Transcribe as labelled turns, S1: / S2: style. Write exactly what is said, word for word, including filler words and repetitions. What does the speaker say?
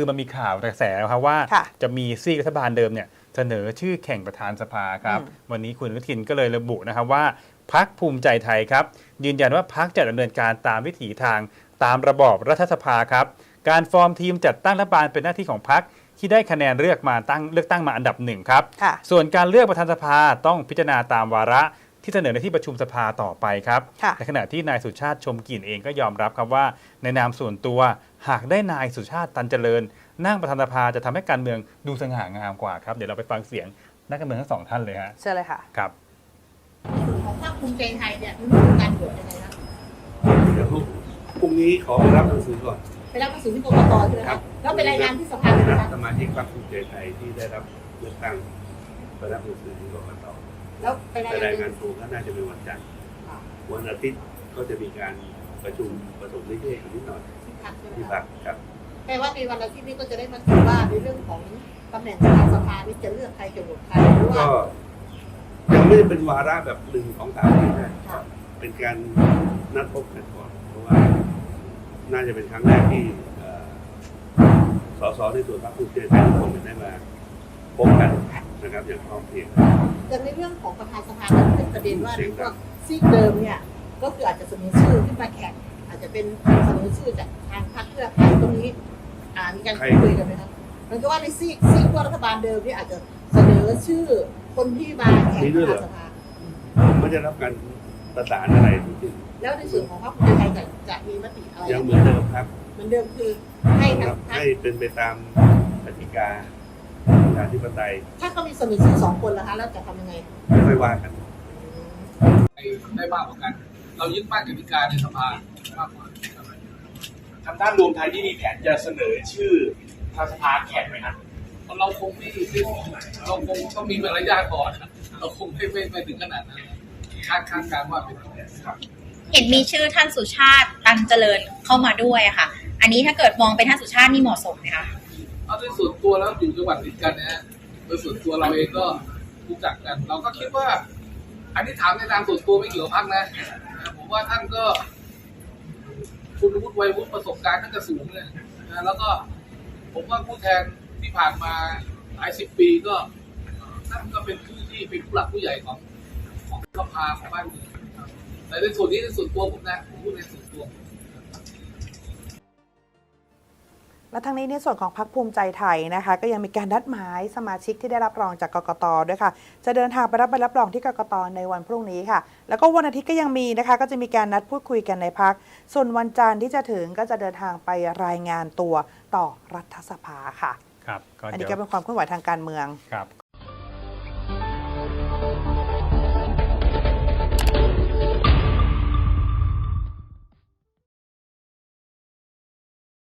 S1: มันมีข่าวกระแสครับว่าจะมีซีกรัฐบาลเดิมเนี่ยเสนอชื่อแข่งประธานสภาครับวันนี้คุณอนุทินก็เลยระบุนะครับว่าพรรคภูมิใจไทยครับยืนยันว่าพรรคจะดำเนินการตามวิถีทางตามระบอบรัฐสภาครับการฟอร์มทีมจัดตั้งรัฐบาลเป็นหน้าที่ของพรรคที่ได้คะแนนเลือกมาตั้งเลือกตั้งมาอันดับหนึ่งครับส่วนการเลือกประธานสภาต้องพิจารณาตามวาระที่เสนอในที่ประชุมสภาต่อไปครับในขณะที่นายสุชาติชมกลิ่นเองก็ยอมรับครับว่าในนามส่วนตัวหากได้นายสุชาติตันเจริญนั่งประธานสภาจะทำให้การเมืองดูสง่างามกว่าครับเดี๋ยวเราไปฟังเสียงนักการเมืองทั้งสองท่านเลยฮะ
S2: เชิญเลยค่ะ
S1: ครับ
S3: ของพรรคภูมิใจไทยเนี่ยมีการโหวตยังไงนะ
S4: เดี๋ยวพรุ่งนี้ขอไปรับหนังสือก่อน
S3: ไปรับหนังสือที่กกตใช่ไหมครับแล้วไปรายงานที่สภาเลยนะ
S4: สมาชิกพรรคภูมิใจไทยที่ได้รับเลือกตั้งไปรับหนังสือที่กกต
S3: แล้วไป
S4: รายงานตัวก็น่าจะเป็นวันจันทร์วันอาทิตย์ก็จะมีการประชุมประสมนิเทศนิดหน่อยที่พรรคครับ
S3: แปลว่าในวันอาทิตย์นี้ก็จะได้มาถือว่าในเรื่องของตำแหน่งประธานสภานี่จะเลือกใครจะโหวตใครหรือว่า
S4: ก็ยังไม่ได้เป็นวาระแบบหนึ่งของสามนี่นะเป็นการนัดพบกันก่อนเพราะว่าน่าจะเป็นครั้งแรกที่สสในส่วนพรรคภูมิใจไทยทุกคนได้มาพบกันนะครับอย่างพร้อมเพรียง
S3: แต่ในเรื่องของประธานสภาก็เป็นประเด็นว่าในพวกซีกเดิมเนี่ยก็คืออาจจะเสนอชื่อขึ้นมาแข่งอาจจะเป็นเสนอชื่อจากทางพรรคเพื่อไทยตรงนี้อ่ามีการคุยกันไหมครับมันก็ว่าในซีกซีกว่ารัฐบาลเดิมนี่อาจจะเสนอชื่อคนที่มาแข่งประธานสภา
S4: ไม่ได้รับการประสานอะไรจริง
S3: ๆแล้วในส่วนของพรรคภูมิใจไทยจะจะมีมติอะไร
S4: ยังเหมือนเดิมครับ
S3: เหมือนเดิมคือให้
S4: ให้เป็นไปตามกติกาประชาธิปไตย
S3: ถ้าเขามีเสนอชื่อสองคนล่ะคะแล้วจะทำยังไง
S4: ไม่ว่ากัน
S5: ได้มากกว่ากันเรายึดมั่นกติกาในสภามากกว่า
S6: ทางด้านรวมไทยที่มีแผนจะเสนอชื่อทางสภาแข่งไหมครับ
S5: เราคงไม่เราคงต้องมีมารยาทก่อนเราคงไม่ไม่ไม่ถึงขนาดนั้นคาดคาดการว่าเป็นครับ
S7: เห็นมีชื่อท่านสุชาติตันเจริญเข้ามาด้วยค่ะอันนี้ถ้าเกิดมองเป็นท่านสุชาตินี่เหมาะสมไหมคะ
S5: เอาโดยส่วนตัวแล้วอยู่จังหวัดติดกันนะฮะโดยส่วนตัวเราเองก็รู้จักกันเราก็คิดว่าอันนี้ถามในนามส่วนตัวไม่เกี่ยวกับพรรคนะผมว่าท่านก็คุณวุฒิวัยวุฒิประสบการณ์ท่านก็สูงเลยนะแล้วก็ผมว่าผู้แทนที่ผ่านมาหลายสิบปีก็ท่านก็เป็นผู้ที่เป็นผู้หลักผู้ใหญ่ของของสภาของบ้านเมืองแต่ในส่วนนี้ในส่วนตัวผมนะผมพูดในส่วนตัว
S2: และทั้งนี้ในส่วนของพรรคภูมิใจไทยนะคะก็ยังมีการนัดหมายสมาชิกที่ได้รับรองจากกกต.ด้วยค่ะจะเดินทางไปรับใบรับรองที่กกต.ในวันพรุ่งนี้ค่ะแล้วก็วันอาทิตย์ก็ยังมีนะคะก็จะมีการนัดพูดคุยกันในพรรคส่วนวันจันทร์ที่จะถึงก็จะเดินทางไปรายงานตัวต่อรัฐสภาค่ะ
S1: ครับ
S2: อันนี้ก็เป็นความเคลื่อนไหวทางการเมือง
S1: ครับ